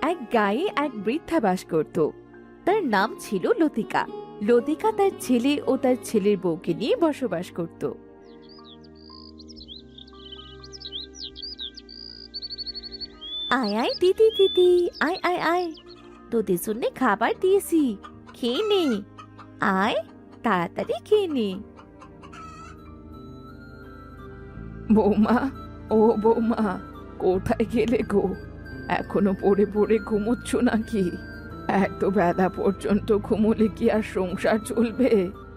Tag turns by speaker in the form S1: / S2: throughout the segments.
S1: এক গায়ে এক বৃদ্ধা বাস করত। তার নাম ছিল লতিকা। লতিকা তার ছেলে ও তার ছেলের বউকে নিয়ে বসবাস করত। আয় আয় দিদি দিদি, আয় আয় আয়, তোদের জন্য খাবার দিয়েছি, খেয়ে নে। আয়, তাড়াতাড়ি খেয়ে নে। বৌমা, ও বৌমা, কোথায় গেলে গো? এখনো পড়ে পড়ে ঘুমোচ্ছ নাকি? এত বেলা পর্যন্ত ঘুমোলে কি আর সংসার চলবে?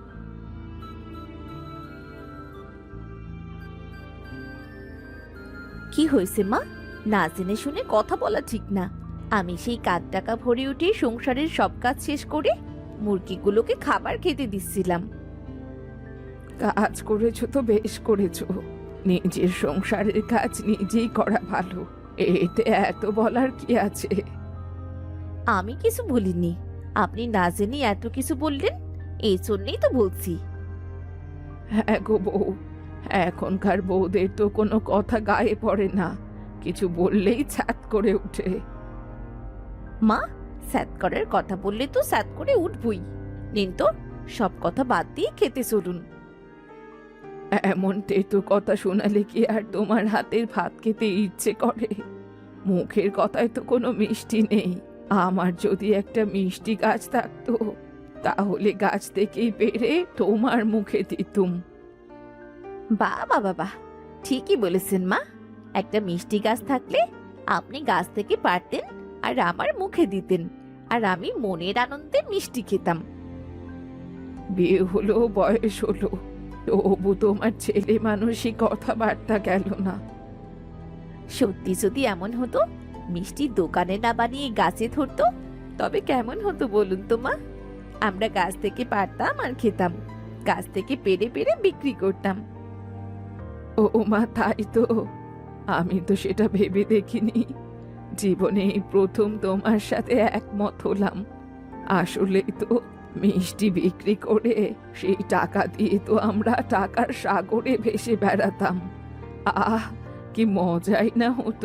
S1: কি হয়েছে মা? না জেনে শুনে কথা বলা ঠিক না। আমি সেই কাঠ টাকা ভরে উঠে সংসারের সব কাজ শেষ করে মুরগিগুলোকে খাবার খেতে দিচ্ছিলাম। কাজ করেছো তো বেশ করেছো, নিজের সংসারের কাজ নিজেই করা ভালো, এতে এত বলার কি আছে? আমি কিছু বলিনি, আপনি না জেনে এত কিছু বললেন, এই জন্যই তো বলছি। হ্যাঁ গো বউ, এখনকার বউদের তো কোনো কথা গায়ে পড়ে না, কিছু বললেই ছ্যাত করে উঠে। মা, স্যাত করার কথা বললে তো স্যাত করে উঠবই। নিন তো, সব কথা বাদ দিয়ে খেতে চলুন। এমন তেতো কথা শোনালে কি আর তোমার হাতের ভাত খেতে ইচ্ছে করে? মুখের কথায় তো কোনো মিষ্টি নেই। আমার যদি একটা মিষ্টি গাছ থাকতো, তাহলে গাছ থেকেই পেড়ে তোমার মুখে দিতুম। বাবা বাবা, ঠিকই বলেছেন মা। একটা মিষ্টি গাছ থাকলে আপনি গাছ থেকে পারতেন আর আমার মুখে দিতেন, আর আমি মনের আনন্দে মিষ্টি খেতাম। বিয়ে হলো, বয়স হলো, তবু তোমার ছেলে মানুষই কথাবার্তা গেল না। সত্যি যদি এমন হতো, মিষ্টি দোকানে না বানিয়ে গাছে ধরতো, তবে কেমন হতো বলুন তো মা? আমরা গাছ থেকে পারতাম আর খেতাম, গাছ থেকে পেড়ে পেড়ে বিক্রি করতাম। ও মা, তাই তো, আমি তো সেটা ভেবে দেখিনি। জীবনে এই প্রথম তোমার সাথে একমত হলাম। আসলে তো মিষ্টি বিক্রি করে সেই টাকা দিয়ে তো আমরা টাকার সাগরে ভেসে বেড়াতাম। আহ, কি মজাই না হতো!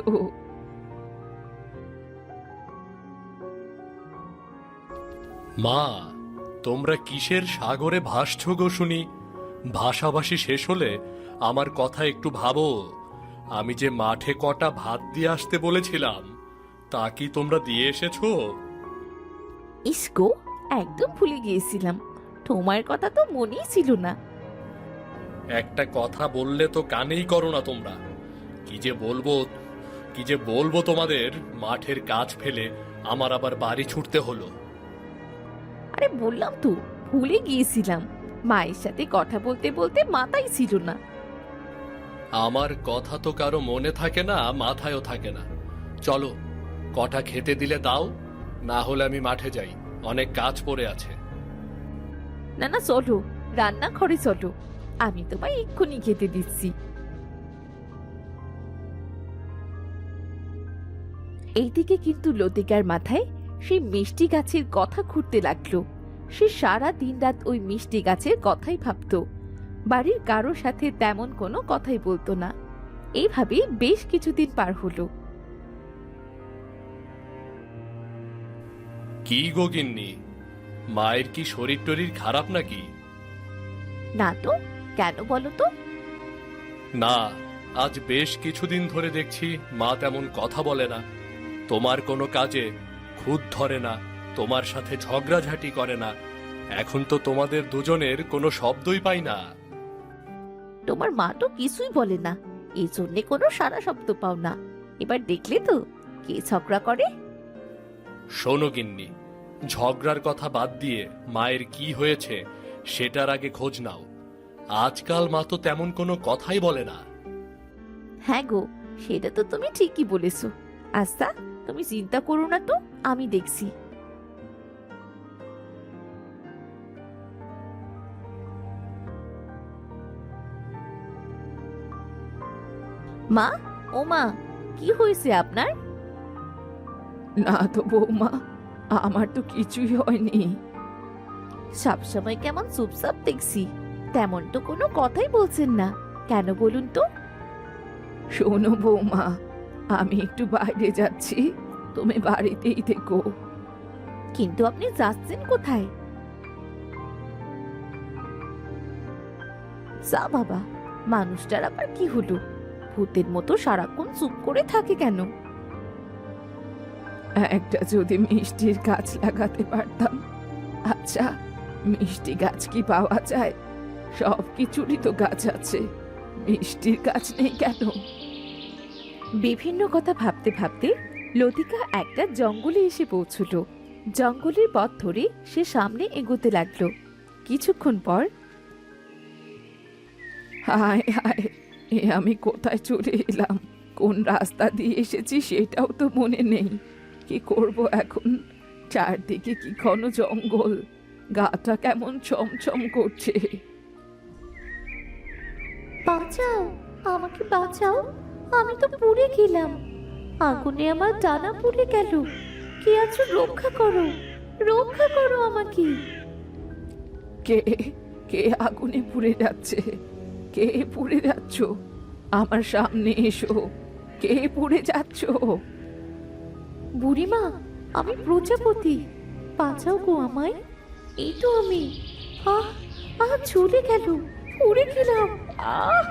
S2: মা, তোমরা কিসের সাগরে ভাসছো গো শুনি? ভাষাভাষী শেষ হলে আমার কথা একটু ভাবো। আমি যে মাঠে কটা ভাত দিয়ে আসতে বলেছিলাম, তা কি তোমরা দিয়ে এসেছো?
S1: ইসকো, একদম ভুলে গিয়েছিলাম, তোমার কথা তো মনেই ছিল না।
S2: একটা কথা বললে তো কানেই করো না তোমরা। কি যে বলবো, কি যে বলবো তোমাদের! মাঠের কাজ ফেলে আমার আবার বাড়ি ছুটতে হলো।
S1: আরে বললাম তো, ভুলে গিয়েছিলাম। মায়ের সাথে কথা বলতে বলতে মাথায় ছিল না।
S2: আমার কথা তো কারো মনে থাকে না, মাথায়ও থাকে না। চলো, কটা খেতে দিলে দাও, না হলে আমি মাঠে যাই, অনেক কাজ পড়ে আছে।
S1: না না, চলো, রান্নাঘরে চলো, আমি তোমায় এক্ষুনি খেতে দিচ্ছি। এইদিকে কিন্তু লতিকার মাথায় সেই মিষ্টি গাছের কথা ঘুরতে লাগলো। সে সারা দিন রাত ওই মিষ্টি গাছের কথাই ভাবতো, বাড়ির কারোর সাথে তেমন কোনো কথাই বলতো না। এইভাবেই বেশ কিছুদিন পার হলো।
S2: কি গো গিন্নি, মায়ের কি শরীর টরীর খারাপ নাকি?
S1: না তো, কেন বলো তো?
S2: না, আজ বেশ কিছুদিন ধরে দেখছি মা তেমন কথা বলে না, তোমার কোনো কাজে খুঁত ধরে না, তোমার সাথে ঝগড়াঝাটি করে না। এখন তো তোমাদের দুজনের কোনো শব্দই পাই না।
S1: তোমার মা তো কিছুই বলে না, এই জন্যে কোনো সারা শব্দ পাও না। এবার দেখলে তো কে ঝগড়া করে।
S2: শোনো গিন্নি, ঝগড়ার কথা বাদ দিয়ে মায়ের কি হয়েছে সেটার আগে খোঁজ নাও। আজকাল মা তো তেমন কোনো কথাই বলে না।
S1: হ্যাঁ গো, সেটা তো তুমি ঠিকই বলেছো। আচ্ছা, তুমি চিন্তা করো না তো, আমি দেখছি। মা, ও মা, কি হয়েছে আপনার? না তো বৌমা, আমার তো কিছুই হয়নি। সবসময় কেমন চুপচাপ দেখছি, তেমন তো কোনো কথাই বলছেন না, কেন বলুন তো? শোনো বৌমা, আমি একটু বাইরে যাচ্ছি,
S3: তুমি বাড়িতেই থেকো।
S1: কিন্তু আপনি যাচ্ছেন কোথায়? যা বাবা, মানুষটার আবার কি হলো? ভূতের মতো সারাক্ষণ চুপ করে থাকে কেন?
S3: একটা যদি মিষ্টির গাছ লাগাতে পারতাম। আচ্ছা, মিষ্টি গাছ কি পাওয়া যায়? সব কিছুরই তো গাছ আছে, মিষ্টির গাছ নেই কেন?
S1: বিভিন্ন কথা ভাবতে ভাবতে লতিকা একটা জঙ্গলে এসে পৌঁছল। জঙ্গলের পথ ধরে সে সামনে এগোতে লাগলো। কিছুক্ষণ পর
S3: হায় হায়, এ আমি কোথায় চলে এলাম? কোন রাস্তা দিয়ে এসেছি সেটাও তো মনে নেই। কি করব এখন? চারদিকে কি ঘন জঙ্গল, গাটা কেমন ছমছম করছে।
S1: বাঁচাও, আমাকে বাঁচাও, আমি তো পুড়ে গেলাম। আগুনে আমার ডানা পুড়ে গেল। কে আছো, রক্ষা করো, রক্ষা করো আমাকে।
S3: কে কে আগুনে পুড়ে যাচ্ছে? কে পুড়ে যাচ্ছ? আমার সামনে এসো। কে পুড়ে যাচ্ছ?
S1: বুড়িমা, আমি প্রজাপতি, বাঁচাও গো আমায়। এই তো আমি। আহ আহ, চলে গেল, পুড়ে গেলাম। আহ!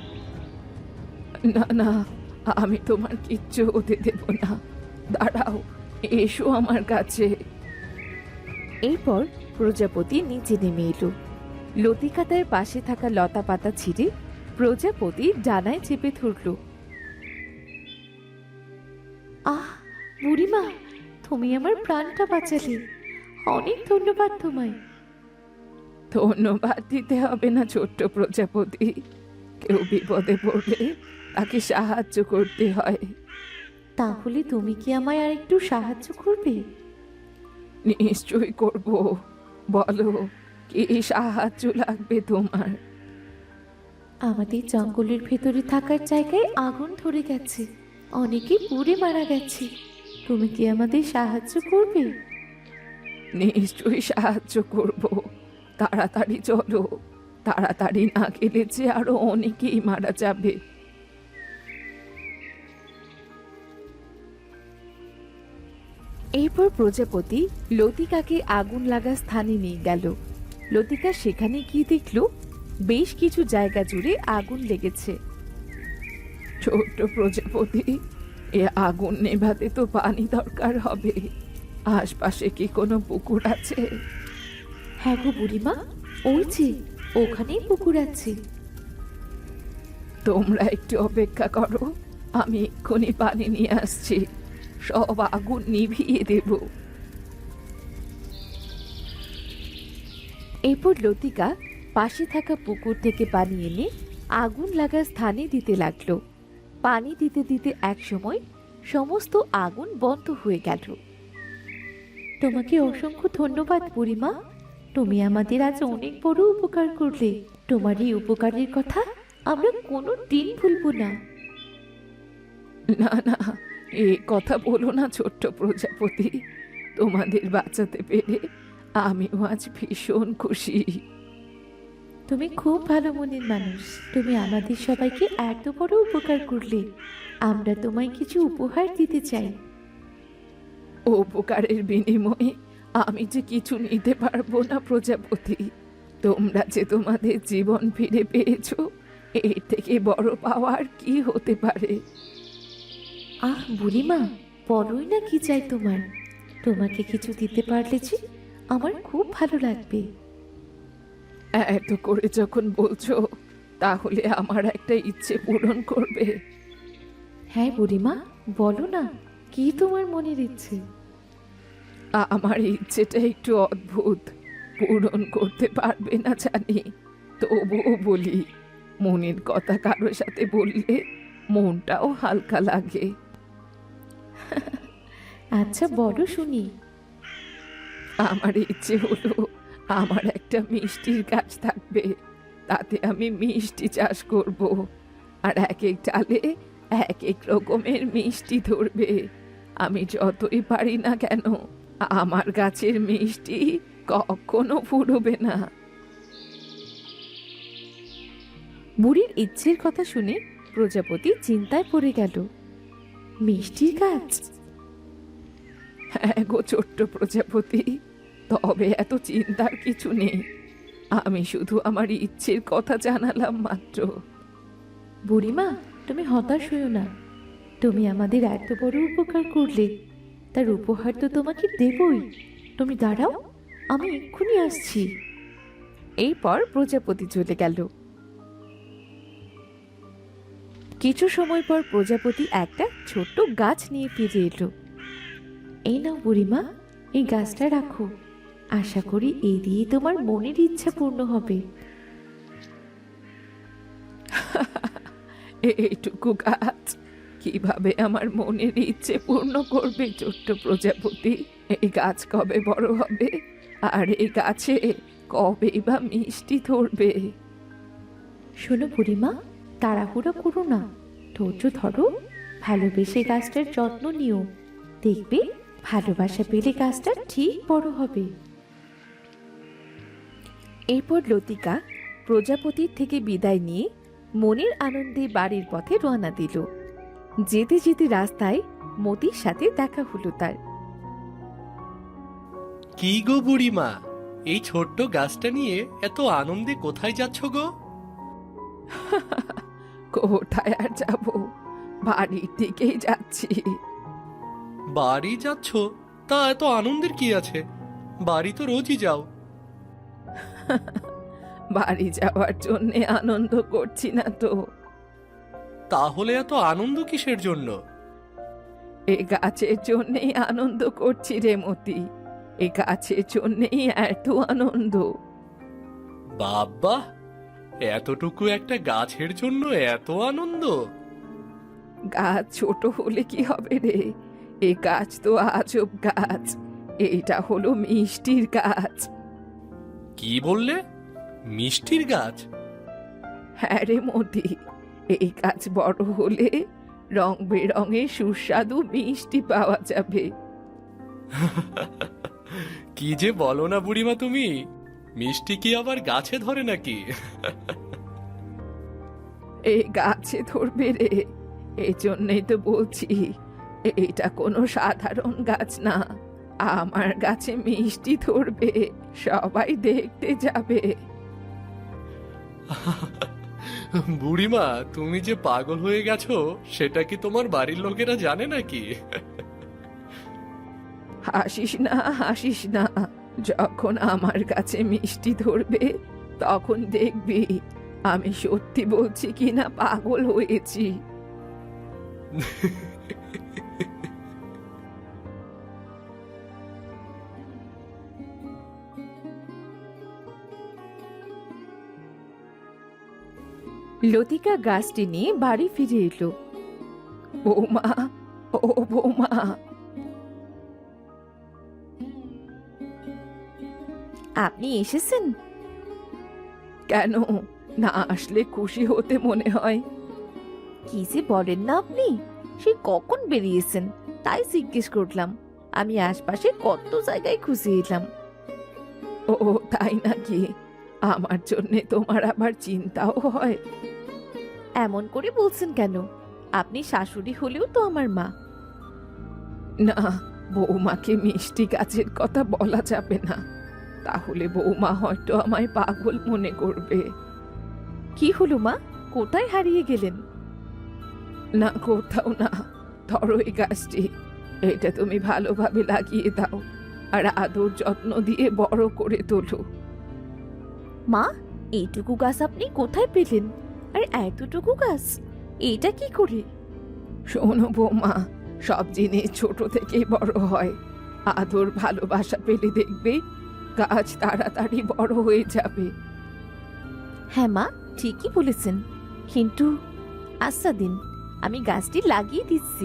S3: না না, আমি তোমার কিচ্ছু হতে দেব না। দাঁড়াও, এসো আমার কাছে।
S1: এরপর প্রজাপতি নিচে নেমে এলো। লতিকা তার পাশে থাকা লতা পাতা ছিঁড়ে প্রজাপতি ডানায় চেপে ধরল। আহ বুড়িমা, তুমি আমার প্রাণটা বাঁচালে, অনেক ধন্যবাদ তোমায়।
S3: ধন্যবাদ দিতে হবে না ছোট্ট প্রজাপতি। কেউ বিপদে পড়লে তাকে সাহায্য করতে হয়।
S1: তাহলে তুমি কি আমায় আর একটু সাহায্য করবে?
S3: নিশ্চয়ই করব। বলো, কি সাহায্য লাগবে তোমার?
S1: আমাদের জঙ্গলের ভেতরে থাকার জায়গায় আগুন ধরে গেছে, অনেকে পুড়ে মারা গেছে। তুমি কি আমাদের সাহায্য করবে?
S3: নিশ্চয়ই সাহায্য করব। তাড়াতাড়ি চলো, তাড়াতাড়ি না গেলে যে আরো অনেকেই মারা যাবে।
S1: এরপর প্রজাপতি লতিকাকে আগুন লাগা স্থানে নিয়ে গেল। লতিকা সেখানে গিয়ে দেখল বেশ কিছু জায়গা জুড়ে আগুন লেগেছে।
S3: ছোট্ট প্রজাপতি, এ আগুন নেভাতে তো পানি দরকার হবে। আশপাশে কি কোনো পুকুর আছে?
S1: হ্যাঁ গো বুড়িমা, ওই যে ওখানেই পুকুর আছে।
S3: তোমরা একটু অপেক্ষা করো, আমি এক্ষুনি পানি নিয়ে আসছি। সব আগুন নিভিয়ে দেব।
S1: এরপর লতিকা পাশে থাকা পুকুর থেকে পানি এনে আগুন লাগা স্থানে দিতে লাগলো। পানি দিতে দিতে একসময় সমস্ত আগুন বন্ধ হয়ে গেল। তোমাকে অসংখ্য ধন্যবাদ বুড়িমা, তুমি আমাদের আজ অনেক বড় উপকার করলে। তোমার এই উপকারের কথা আমরা কোনো দিন ভুলবো না।
S3: না না, এ কথা বলো না ছোট্ট প্রজাপতি। তোমাদের বাঁচাতে পেরে আমিও আজ ভীষণ খুশি।
S1: তুমি খুব ভালো মনের মানুষ, তুমি আমাদের সবাইকে এত বড় উপকার করলে। আমরা তোমায় কিছু উপহার দিতে চাই।
S3: উপকারের বিনিময়ে আমি যে কিছু নিতে পারবো না প্রজাপতি। তোমরা যে তোমাদের জীবন ফিরে পেয়েছো, এর থেকে বড় পাওয়ার কি হতে পারে?
S1: আহ বুড়িমা, বলোই না কি চাই তোমার। তোমাকে কিছু দিতে পারলে যে আমার খুব ভালো লাগবে।
S3: এত করে যখন বলছো, তাহলে আমার একটা ইচ্ছে পূরণ করবে।
S1: হ্যাঁ বুড়িমা, বলো না, কি তোমার মনের ইচ্ছে?
S3: আমার ইচ্ছেটা একটু অদ্ভুত, পূরণ করতে পারবে না জানি, তবুও বলি। মনের কথা কারো সাথে বললে মনটাও হালকা লাগে।
S1: আচ্ছা বলো শুনি।
S3: আমার ইচ্ছে হলো আমার একটা মিষ্টির গাছ থাকবে, তাতে আমি মিষ্টি চাষ করব। আর এক এক ডালে এক এক রকমের মিষ্টি ধরবে। আমি যতই পারি না কেন, আমার গাছের মিষ্টি কখনো ফুরবে না।
S1: বুড়ির ইচ্ছের কথা শুনে প্রজাপতি চিন্তায় পড়ে গেল। মিষ্টির গাছ?
S3: হ্যাঁ গো ছোট্ট প্রজাপতি, তবে এত চিন্তার কিছু নেই। আমি শুধু আমার ইচ্ছের কথা জানালাম মাত্র।
S1: বুড়িমা, তুমি হতাশ হইও না। তুমি আমাদের এত বড় উপকার করলে, তার উপহার তো তোমাকে দেবই। তুমি দাঁড়াও, আমি এক্ষুনি আসছি।
S3: এরপর প্রজাপতি চলে গেল। কিছু সময় পর প্রজাপতি একটা ছোট্ট গাছ নিয়ে ফিরে এলো।
S1: এই নাও বুড়িমা, এই গাছটা রাখো। আশা করি এই দিয়ে তোমার মনের ইচ্ছা পূর্ণ হবে।
S3: এইটুকু গাছ কিভাবে আমার মনের ইচ্ছে পূর্ণ করবে ছোট্ট প্রজাপতি? এই গাছ কবে বড় হবে, আর এই গাছে কবেই বা মিষ্টি ধরবে?
S1: শোনো বুড়িমা, তাড়াহুড়ো করো না, ধৈর্য ধরো, ভালোবেসে গাছটার যত্ন নিও। দেখবে ভালোবাসা পেলে গাছটা ঠিক বড় হবে।
S3: এরপর লতিকা প্রজাপতির থেকে বিদায় নিয়ে মনের আনন্দে বাড়ির পথে রওনা দিল। যেতে যেতে রাস্তায় মতির সাথে দেখা হলো তার।
S2: কি গো বুড়িমা, এই ছোট্ট গাছটা নিয়ে এত আনন্দে কোথায় যাচ্ছ গো?
S3: কোথায় আর যাব, বাড়ির দিকেই যাচ্ছি।
S2: বাড়ি যাচ্ছ? তা এত আনন্দের কি আছে? বাড়ি তো রোজই যাও।
S3: বাড়ি যাওয়ার জন্যে আনন্দ করছি না তো।
S2: তাহলে এত আনন্দ কিসের জন্য?
S3: এ গাছের জন্যেই আনন্দ করছি রে মতি, এ গাছের জন্যেই এত আনন্দ।
S2: বাবা, এতটুকু একটা গাছের জন্য এত আনন্দ?
S3: গাছ ছোট হলে কি হবে রে, এ গাছ তো আজব গাছ। এটা হলো মিষ্টির গাছ।
S2: কি বললে? মিষ্টির গাছ?
S3: হ্যাঁ রে মতি, এই গাছ বড় হলে রং বেরঙের সুস্বাদু মিষ্টি পাওয়া যাবে।
S2: কি যে বলো না বুড়িমা তুমি, মিষ্টি কি আবার গাছে ধরে নাকি?
S3: এই গাছে ধরবে রে, এই জন্যই তো বলছি, এটা কোনো সাধারণ গাছ না। আমার গাছে মিষ্টি ধরবে, সবাই দেখতে যাবে।
S2: বুড়িমা, তুমি যে পাগল হয়ে গেছো সেটা কি তোমার বাড়ির লোকেরা জানে নাকি?
S3: হাসিস না, হাসিস না। যখন আমার কাছে মিষ্টি ধরবে তখন দেখবি আমি সত্যি বলছি কিনা পাগল হয়েছি। লতিকা গাছটি নিয়ে বাড়ি ফিরে এলো। বৌমা, ও বৌমা।
S1: আপনি এসেছেন?
S3: কেন, না আসলে খুশি হতে মনে হয়?
S1: কি যে বলেন না আপনি, সে কখন বেরিয়েছেন তাই জিজ্ঞেস করলাম। আমি আশপাশে কত জায়গায় খুঁজে এলাম।
S3: ও তাই নাকি? আমার জন্যে তোমার আবার চিন্তাও হয়?
S1: এমন করে বলছেন কেন? আপনি শাশুড়ি হলেও তো আমার মা।
S3: না, বৌমাকে মিষ্টি গাছের কথা বলা যাবে না, তাহলে বৌমা হয়তো আমায় পাগল মনে করবে।
S1: কি হলো মা, কোথায় হারিয়ে গেলেন?
S3: না, কোথাও না। ধরো এই গাছটি, এটা তুমি ভালোভাবে লাগিয়ে দাও আর আদর যত্ন দিয়ে বড় করে তোলো।
S1: মা, এইটুকু গাছ আপনি কোথায় পেলেন? আর এতটুকু গাছ, এটা কি করে?
S3: শোনো বৌমা, সব জিনিস ছোট থেকেই বড় হয়। আদর ভালোবাসা পেলে দেখবে গাছ তাড়াতাড়ি বড় হয়ে যাবে।
S1: হ্যাঁ মা, ঠিকই বলেছেন, কিন্তু আচ্ছা দিন, আমি গাছটি লাগিয়ে দিচ্ছি।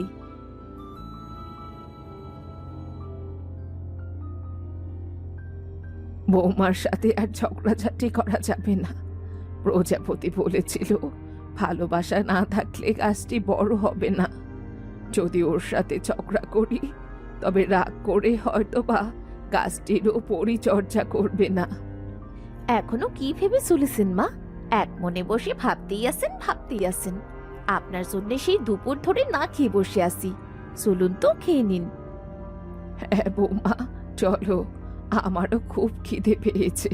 S3: বৌমার সাথে আর ঝগড়াঝাটি করা যাবে না। প্রজাপতি বলেছিল ভালোবাসা না থাকলে গাছটি বড় হবে না। যদি ওর সাথে ঝগড়া করি তবে রাগ করে হয়তো বা গাছটিরও পরিচর্যা করবে না।
S1: এখনো কি ভেবে চলেছেন মা? এক মনে বসে ভাবতেই আছেন, ভাবতেই আছেন। আপনার জন্য সেই দুপুর ধরে না খেয়ে বসে আছি, চলুন তো খেয়ে নিন।
S3: হ্যাঁ বৌমা, চলো, আমারও খুব খিদে পেয়েছে।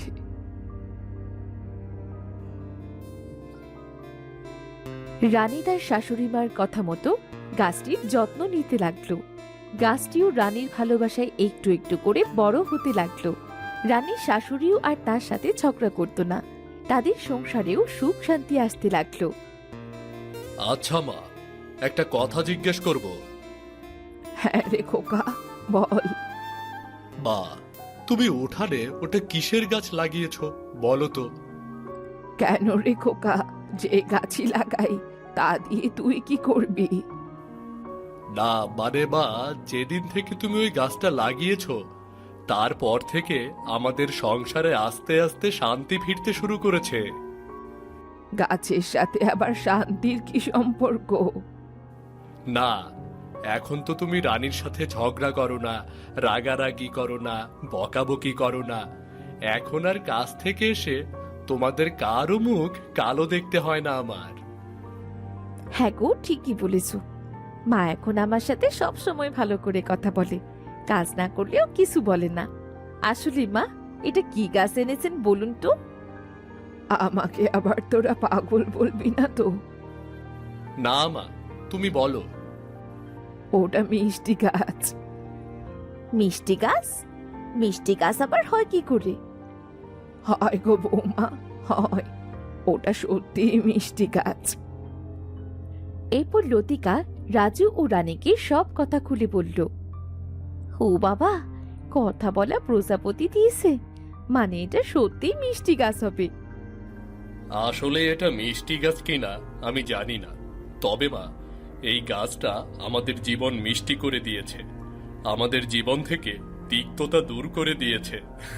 S1: রানী তার শাশুড়ি মার কথা মতো গাছটির যত্ন নিতে লাগলো। গাছটিও রানীর ভালোবাসায় একটু একটু করে বড় হতে লাগলো। রানীর শাশুড়িও আর তার সাথে ঝগড়া করতো না। তাদের সংসারেও সুখ শান্তি আসতে লাগলো।
S2: আচ্ছা মা, একটা কথা জিজ্ঞেস করব।
S3: হ্যাঁ রে খোকা, বল।
S2: মা, তুমি উঠানে ওটা কিসের গাছ লাগিয়েছো বলো তো?
S3: কেন রে খোকা, যে গাছই লাগাই তা দিয়ে তুই কি করবি?
S2: না মানে মা, যেদিন থেকে তুমি ওই গাছটা লাগিয়েছো তারপর থেকে আমাদের সংসারে আস্তে আস্তে শান্তি ফিরতে শুরু করেছে।
S3: গাছের সাথে আবার শান্তির কি সম্পর্ক?
S2: না, এখন তো তুমি রানীর সাথে ঝগড়া করো না, রাগারাগি করো না, বকাবকি করো না। এখন আর কাছ থেকে এসে তোমাদের কারো মুখ কালো দেখতে হয় না আমার।
S1: হ্যাঁ গো, ঠিকই বলেছ। মা এখন আমার সাথে সব সময় ভালো করে কথা বলে, কাজ না করলেও কিছু বলে না। আসলে মা, এটা কি গাছ এনেছেন বলুন তো?
S3: আমাকে আবার তোরা পাগল বলবি না তো?
S2: না মা, তুমি বলো।
S3: ওটা মিষ্টি গাছ।
S1: মিষ্টি গাছ? মিষ্টি গাছ আবার হয় কি করে?
S3: হয় গো বৌমা, হয়। ওটা সত্যি মিষ্টি গাছ।
S1: এরপর লতিকা রাজু ও রানীকে সব কথা খুলে বলল। ও বাবা, কথা বলা প্রজাপতি দিয়েছে, মানে এটা সত্যিই মিষ্টি গাছ হবে।
S2: আসলে এটা মিষ্টি গাছ কিনা আমি জানি না, তবে মা, এই গাছটা আমাদের জীবন মিষ্টি করে দিয়েছে, আমাদের জীবন থেকে তিক্ততা দূর করে দিয়েছে।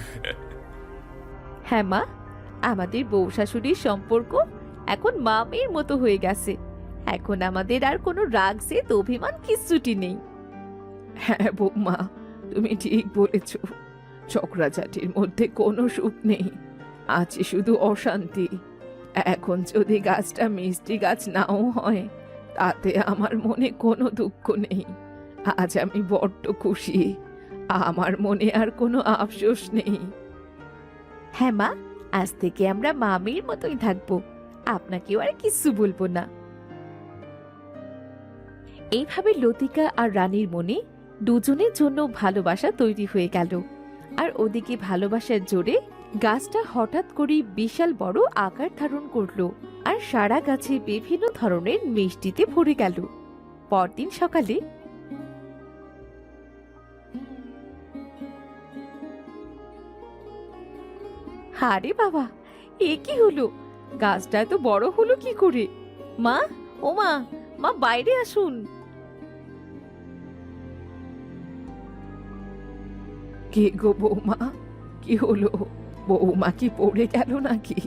S1: হ্যাঁ মা, আমাদের বউ শাশুড়ির সম্পর্ক এখন মা মেয়ের মতো হয়ে গেছে। এখন আমাদের আর কোনো রাগ জেদ অভিমান কিচ্ছুটি নেই।
S3: হ্যাঁ বৌমা, তুমি ঠিক বলেছ। চক্রাচাটির মধ্যে কোনো সুখ নেই, আছে শুধু অশান্তি। এখন যদি গাছটা মিষ্টি গাছ নাও হয়, তাতে আমার মনে কোনো দুঃখ নেই। আজ আমি বড্ড খুশি, আমার মনে আর কোনো আফসোস নেই।
S1: হ্যাঁ মা, আজ থেকে আমরা মা মেয়ের মতোই থাকবো, আপনাকেও আর কিচ্ছু বলবো না। এইভাবে লতিকা আর রানীর মনে দুজনের জন্য ভালোবাসা তৈরি হয়ে গেল। আর ওদিকে ভালোবাসার জোরে গাছটা হঠাৎ করে বিশাল বড় আকার ধারণ করলো আর সারা গাছে বিভিন্ন ধরনের মিষ্টিতে ভরে গেল। পরদিন সকালে আরে বাবা, এ কি হলো? গাছটা এত বড় হলো কি করে? মা, ও মা, মা বাইরে আসুন।
S3: কে গো বৌমা, কি হলো? বৌমা কি পড়ে গেল নাকি?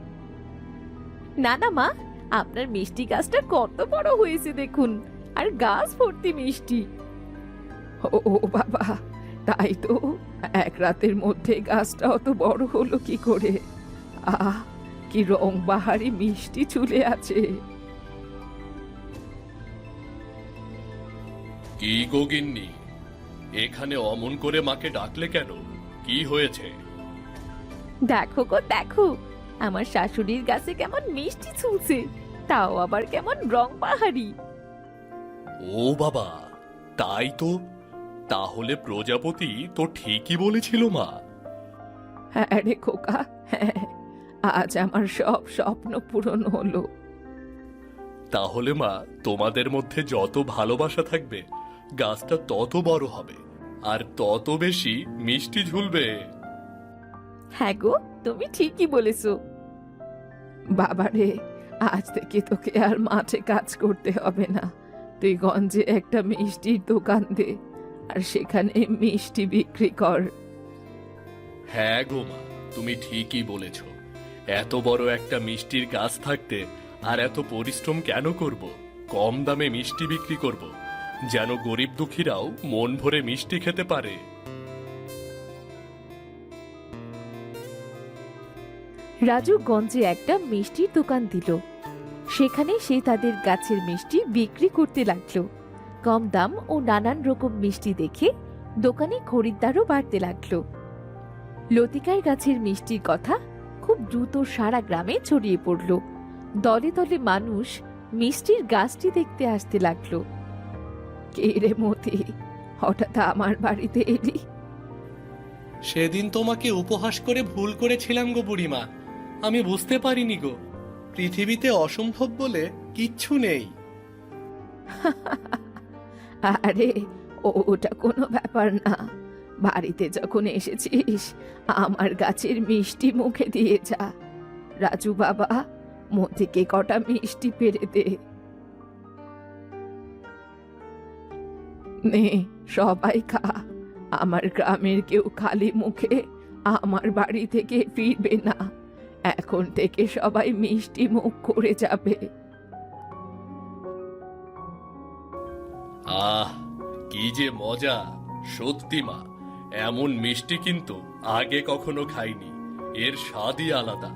S1: না না মা, আপনার মিষ্টি গাছটা কত বড় হয়েছে দেখুন, আর গাছ ভর্তি মিষ্টি।
S3: ও বাবা, তাই তো, এক রাতের মধ্যে গাছটা অত বড় হলো কি করে? আহ, কি রং বাহারি মিষ্টি চুলে আছে।
S2: কি গো গিন্নি, এখানে অমন করে মাকে ডাকলে কেন? কি হয়েছে?
S1: দেখো গো দেখো, আমার শাশুড়ির গাছে কেমন মিষ্টি ঝুলছে, তাও আবার কেমন রং বাহারি।
S2: ও বাবা, তাই তো, তাহলে প্রজাপতি তো ঠিকই বলেছিল মা।
S3: হ্যাঁ রে খোকা, হ্যাঁ, আজ আমার সব স্বপ্ন পূরণ হলো।
S2: তাহলে মা, তোমাদের মধ্যে যত ভালোবাসা থাকবে গাছটা তত বড় হবে আর তত বেশি মিষ্টি ঝুলবে।
S1: হ্যাঁ গো, তুমি ঠিকই বলেছো।
S3: বাবারে, আজ থেকে তোকে আর মাঠে কাজ করতে হবে না। তুই গঞ্জে একটা মিষ্টির দোকান দে, আর সেখানে মিষ্টি বিক্রি কর।
S2: হ্যাঁ গো মা, তুমি ঠিকই বলেছ। এত বড় একটা মিষ্টির গাছ থাকতে আর এত পরিশ্রম কেন করব? কম দামে মিষ্টি বিক্রি করব, যেন গরিব দুঃখীরাও মন ভরে মিষ্টি খেতে পারে।
S1: রাজু গঞ্জে একটা মিষ্টির দোকান দিল। সেখানে সে তাদের গাছের মিষ্টি বিক্রি করতে লাগলো। কম দাম ও নানান রকম মিষ্টি দেখে দোকানে খরিদ্দারও বাড়তে লাগলো। লতিকার গাছের মিষ্টির কথা খুব দ্রুত সারা গ্রামে ছড়িয়ে পড়ল। দলে দলে মানুষ মিষ্টির গাছটি দেখতে আসতে লাগলো।
S3: কে রে মতি, হঠাৎ আমার বাড়িতে এলি?
S2: সেদিন তোমাকে উপহাস করে ভুল করেছিলাম গো বুড়িমা। আমি বুঝতে পারিনি গো, পৃথিবীতে অসম্ভব বলে কিচ্ছু নেই।
S3: আরে ওটা কোনো ব্যাপার না। বাড়িতে যখন এসেছিস আমার গাছের মিষ্টি মুখে দিয়ে যা। রাজু বাবা, মতিকে কটা মিষ্টি পেরে দে। নে সবাই খা। আমার গ্রামের কেউ খালি মুখে আমার বাড়ি থেকে ফিরবে না। এখন থেকে সবাই মিষ্টি মুখ করে যাবে।
S2: আহ, কি যে মজা! সত্যি মা, এমন মিষ্টি কিন্তু আগে কখনো খাইনি। এর স্বাদই আলাদা।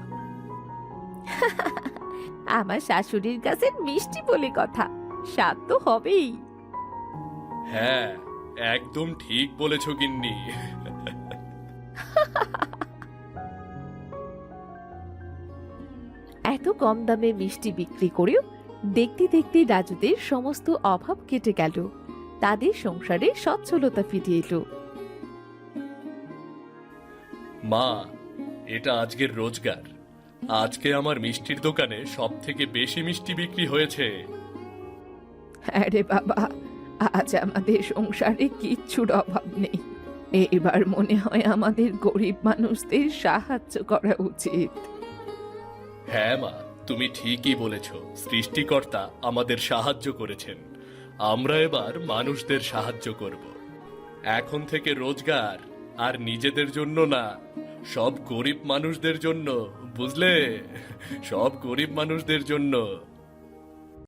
S1: আমার শাশুড়ির গাছের মিষ্টি বলে কথা, স্বাদ তো হবেই।
S2: হ্যাঁ, একদম ঠিক বলেছ গিন্নি।
S1: এত কম দামে মিষ্টি বিক্রি করেও দেখতে দেখতে রাজুদের সমস্ত অভাব কেটে গেল। তাদের সংসারে সচ্ছলতা ফিরে এলো।
S2: মা, এটা আজকের রোজগার। আজকে আমার মিষ্টির দোকানে সব থেকে বেশি মিষ্টি বিক্রি হয়েছে।
S3: হ্যাঁ রে বাবা, আজ আমাদের সংসারে কিচ্ছুর অভাব নেই। এবার মনে হয় আমাদের গরিব মানুষদের সাহায্য করা উচিত।
S2: হ্যাঁ মা, তুমি ঠিকই বলেছ। সৃষ্টিকর্তা আমাদের সাহায্য করেছেন, আমরা এবার মানুষদের সাহায্য করব। এখন থেকে রোজগার আর নিজেদের জন্য না, সব গরিব মানুষদের জন্য, বুঝলে? সব গরিব মানুষদের জন্য।